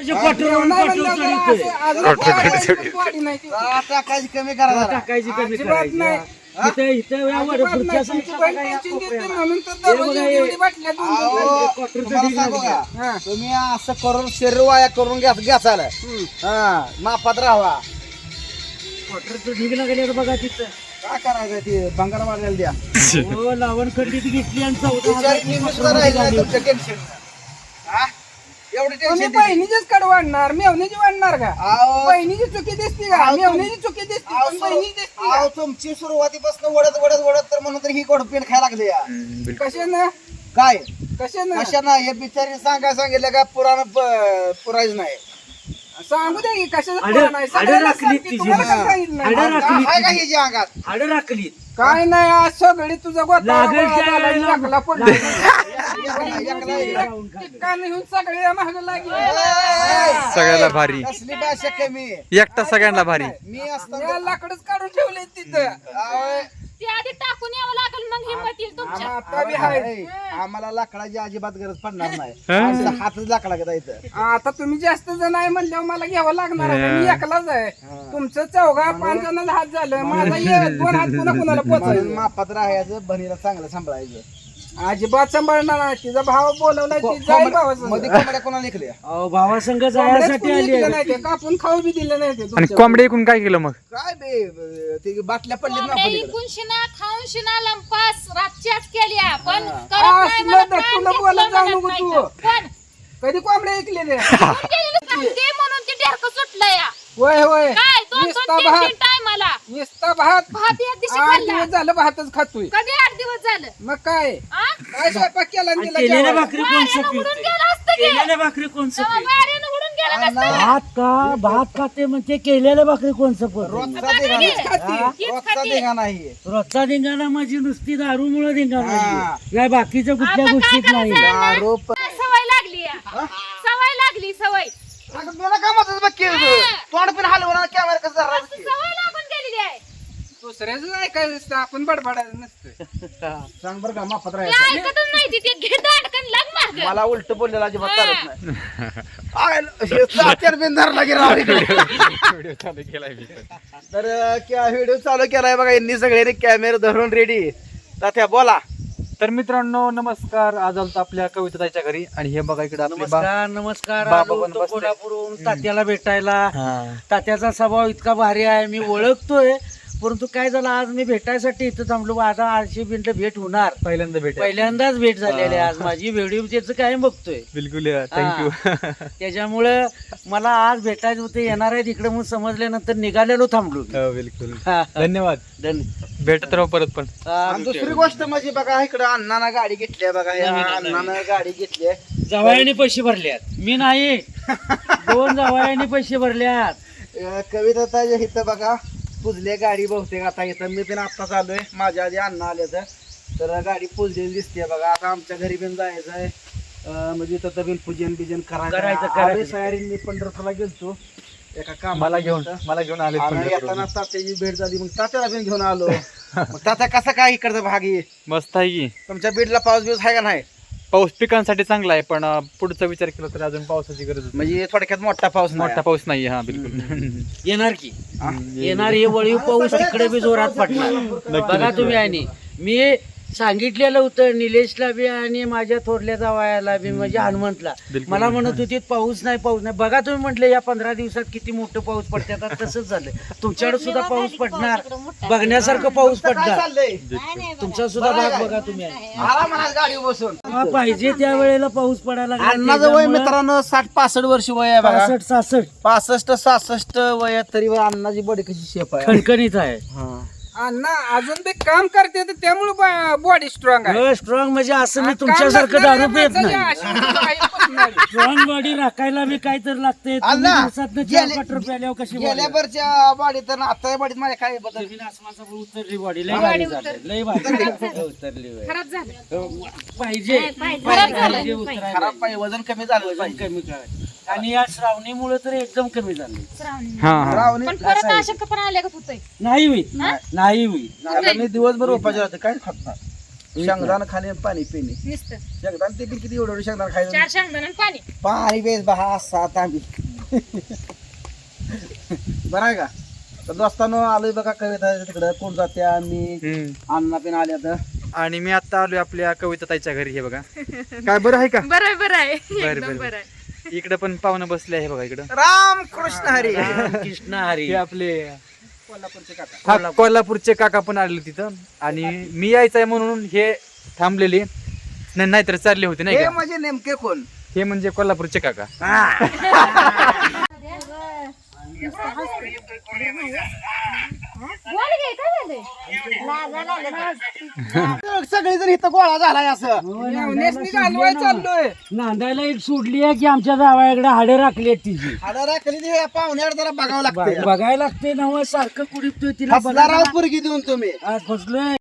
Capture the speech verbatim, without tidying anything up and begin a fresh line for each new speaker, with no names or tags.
क्वार्टरच्या क्वार्टरवरून
टाकायची कमी करा
टाकायची कमी करायची इथं इथं यावर पुढच्या
तुम्ही असं करून शरीर वाया करून घ्या घ्याचाल हा मापात राहावा.
क्वार्टरचं ढीग लागले बघा तिथं
काय करायचं ते भंगार वाढलेला द्या.
हो लावण खंडीत घेतली आणि
टेन्शन एवढी टेन्शन
बहिणीचीच कड वाढणार मेवणीची वाढणार का? बहिणीची चुकी दिसती का? मेवणीची चुकी दिसती पण बहिणीची दिसती का?
तुमची सुरुवातीपासून वडत वडत वडत तर म्हणून तर ही गोड पेन खायला लागले या.
कशानं
काय
कशानं
कशानं हे बिचारी सांगाय सांगितलं का पुराण पुरायच नाही.
सांगू दे की कशाचं
आडं-
पुराण आहे?
आडं
सगळ्याला
राखली
सांगते,
तिची
तुम्हाला
ना.
काय सांगितलं नाही?
आडं राखली
आहे का हिच्या अंगात
हाडं राखली
काय नाही आज सगळी तुझं गोता
लागेल त्या वेळेला-
लागला पण
लागेल.
कान घेऊन सगळे महाग लागले.
सगळ्याला भारी
कसली भाषा कमी
एकटा सगळ्यांना भारी
मी असताना
या लाकडच काढून ठेवले तिथं.
ते आधी टाकून यावं लागेल मग हिंमत येईल तुमच्या.
आता बी हाय.
आहे. आम्हाला लाकडाची अजिबात गरज पडणार नाही
हा?
आमचा हातच लाकडा घेता इथं.
आता तुम्ही जास्त जण आहे म्हणल्यावर मला घ्यावं लागणार आहे. मी एकलाच आहे. तुमचं चौघा पाच जणांना हात झालं माझा एक दोन हात पुन्हा कुणाला
म्हणून
पोचायचं.
मापात राहायचं बहिणीला चांगलं सांभाळायचं.
अजिबात सांभाळणार नाही. तिचा भाव बोलवलाय ती जाईल भावाचं.
मध्ये कोंबड्या कोणाला निघल्या
अहो भावासंग जायसाठी आली आहे.
नाही ते कापून खाऊ बी दिले नाही ते
आणि
तुमच्या.
कोंबडे ऐकून काय केलं मग
काय बे ते बाटल्या पडलीत ना
कोंबड्या
पलीकडे.
इकून शिना खाऊन शिना लंपास रातच्याच केल्या पण
हा.
करत नाही
असलं
मला
तर
प्राण
तुला
घेतलं
बोलायला जाऊ
म्हणत
नको
नाही
तू.
तर. पण
कधी कोंबड्या ऐकलेले
कोण गेलेलं काय? ते म्हणून ते ढेरकं सुटलं या
होय होय
काय दोन
नुसता
दोन तीन
भात
तीन टायमाला
नुसता भात
भात एक दिवशी
आठ
खाल्ला
दिवस झालं भातच खातोय.
कधी आठ दिवस झालं
मग काय
आ?
काय स्वयंपाक केला आणि
आणि
तिला
केलेल्या
जेवायला?
भाकरी कोण
वाऱ्यानं
सपी
उडून गेलं असतं की.
केलेल्या भाकरी कोण
तेव्हा
सपी
वाऱ्यानं उडून गेलं नसतं.
भात का भात खाते म्हणजे केलेल्या भाकरी कोण सपत
रोजचा धिंगाणा
खाती.
हीच
रोजचा
खाती.
धिंगाणा आहे.
रोजचा धिंगाणा माझी नुसती दारू मुळे धिंगाणा
हा.
आहे. या बाकीच्या कुठल्या
आता काय
गोष्टीत नाही
करायचं?
दारू प-
सवय लागली या. सवय लागली सवय
अगं तुला कामातच बघ केलं तोंड पण हलवणार कॅमेरा कसं धरला बघ की.
सवय लागून गेलेली आहे.
दुसऱ्याच ऐकायचं नसतं आपण बडबडायचं नसतं.
सांग बरं का मापात
ते
राहायचं.
ऐकतच नाही ती. ते घेत अडकन लाग मागं.
मला उलट बोललेला अजिबात चालत नाही. आय, हे सात्यार बिन धरला की राव इकडे. तर व्हिडिओ चालू केलाय बघा यांनी सगळे कॅमेरा धरून रेडी. तात्या बोला.
तर मित्रांनो नमस्कार. आज आलो आपल्या कविताच्या घरी आणि हे बघा इकडे आपले बा-
नमस्कार नमस्कार
बाबा
आलो
पण
होतो
बसले.
कोल्हापूरहून तात्याला भेटायला
हा.
तात्याचा स्वभाव इतका भारी आहे मी ओळखतोय परंतु काय झालं आज मी भेटायसाठी इथं थांबलो आता आठशे मिनिटं भेट होणार
पहिल्यांदा भेट
पहिल्यांदाच भेट झालेली आहे आज माझी व्हिडिओ त्याचं काय बघतोय
बिलकुल थँक्यू.
त्याच्यामुळं मला आज भेटायचं होते येणार आहे तिकडे म्हणून समजल्यानंतर निघालेलो थांबलो मी.
हो बिलकुल
हा.
धन्यवाद.
धन्य-
भेटत राहू परत पण.
हा,
आणि दुसरी गोष्ट म्हणजे बघा इकडे अण्णानं गाडी घेतली आहे बघा या अण्णानं गाडी घेतली आहे.
जावयाने पैसे भरल्यात मी नाही दोन जावयाने पैसे भरल्यात.
अं, कविता ताई इथं बघा पुजले गाडी बहुतेक आता इथं मी पण आत्ताच आलोय माझ्या आधी अण्णा आले तर तर गाडी पुजलेली दिसते बघा. आता आमच्या घरी पण जायचं आहे म्हणजे इथं बिन पूजन बिजन
करायचं,
करायचं
करायचं.
सयारी मी पंढरपूरला गेलतो एका काम
मला घेऊन मला घेऊन आले
येताना तात्याची भेट झाली मग तात्याला पण घेऊन आलो. मग तात्या कसा काय इकडचा भाग आहे
मस्त आहे की.
तुमच्या बीडला पाऊस बिऊस आहे का नाही?
पाऊस पिकांसाठी चांगला आहे पण अं, पुढचा विचार केला तर अजून पावसाची गरज आहे.
म्हणजे थोडक्यात मोठा पाऊस नाही.
मोठा पाऊस नाही हा बिलकुल.
येणार की येणार हे वळीव पाऊस तिकडे बी जोरात पडणार बघा तुम्ही आणि मी सांगितलेलं होतं निलेशला बी आणि माझ्या थोरल्या जावयाला बी म्हणजे हनुमंतला
बिलकुल.
मला म्हणत होती पाऊस नाही पाऊस नाही बघा तुम्ही म्हटले या पंधरा दिवसात किती मोठं पाऊस पडते आता तसंच झालं तुमच्याकडे सुद्धा पाऊस पडणार बघण्यासारखं पाऊस
काय
पडणार
चाललंय
तुमचा सुद्धा भाग बघा तुम्ही
मला म्हणा गाडी बसून
हा, पाहिजे त्या वेळेला पाऊस पडायला लागला.
अण्णाचं वय
त्याच्यामुळं
मित्रांनो साठ पासष्ट वर्ष वय आहे बघा.
पासष्ट सासष्ट
पासष्ट सहासष्ट वयात तरी अण्णाची बॉडी कशी शेप आहे.
खणखणीत आहे
अण्णा अजून ते काम करते तर त्यामुळे बॉडी स्ट्रॉंग आहे.
स्ट्रॉंग म्हणजे असं मी तुमच्यासारखं दारू पित नाही
नाही.
स्ट्रॉंग बॉडी राखायला मी काय तर लागते
अण्णा,
चार
गेले-
पाच रुपये आल्यावर कशी
गेल्या वरच्या बॉडीत आणि आता बॉडीत माझ्या काय बदल.
जमीन आसमानाचा उतरली बॉडी लय भारी झाली लय भारी उतरली होय.
खराब झालं.
पाहिजे
पाहिजे.
पाहिजे उतरायला.
खराब पाहिजे वजन कमी झालं
वजन
पाहिजे.
कमी करायचं आणि या श्रावणीमुळे तर एकदम कमी झालं
श्रावणी.
हा हा
रावणी
पण परत अशक्त पण आले का होतोय.
नाही होईल नाही होईल
आता मी दिवसभर उपाशी राहते काय खात नाही. शेंगदाणा खाणे आणि पाणी पिणे
नुसतं
शेंगदाणा ते पण किती एवढं एवढं शेंगदाणा खायचं
चार शेंगदाणा आणि पाणी.
पाणी बेस बहा सात आम्ही बरं आहे का तर दोस्तांनो आलोय बघा कविता तिकडं कोण जाते आम्ही
हम्म.
अण्णा पण आल्या तर
आणि मी आता आलोय आपल्या कविता ताईच्या घरी. हे बघा काय बरं आहे का?
बरं आहे बरं आहे
बरं,
एकदम
बरं.
बरं आहे.
इकडे पण पाहुणं बसले आहे बघा इकडं.
राम कृष्ण हरी
कृष्ण हरी
हे आपले
कोल्हापूरचे काका
हा, कोल्हापूरचे काका पण आले तिथं आणि मी यायचंय म्हणून हे थांबलेले नाही नाहीतर चालले होते नाही
हे
का.
म्हणजे नेमके कोण
हे म्हणजे कोल्हापूरचे काका.
बोल घे, काय झालंय?
सगळेजण इथं गोळा झालाय असं
मेवण्यासनी घालवाय चाललोय.
नांदायला एक सोडली आहे की आमच्या जावयाकडे हाडे राखली आहेत तिची
हाडा राखली ती पाहुण्यावर जरा बघावं लागतं
बघायला लागते नव सारखं कुडीपतोय तिला
हसला राव पोरगी देऊन तुम्ही
आज फसलोय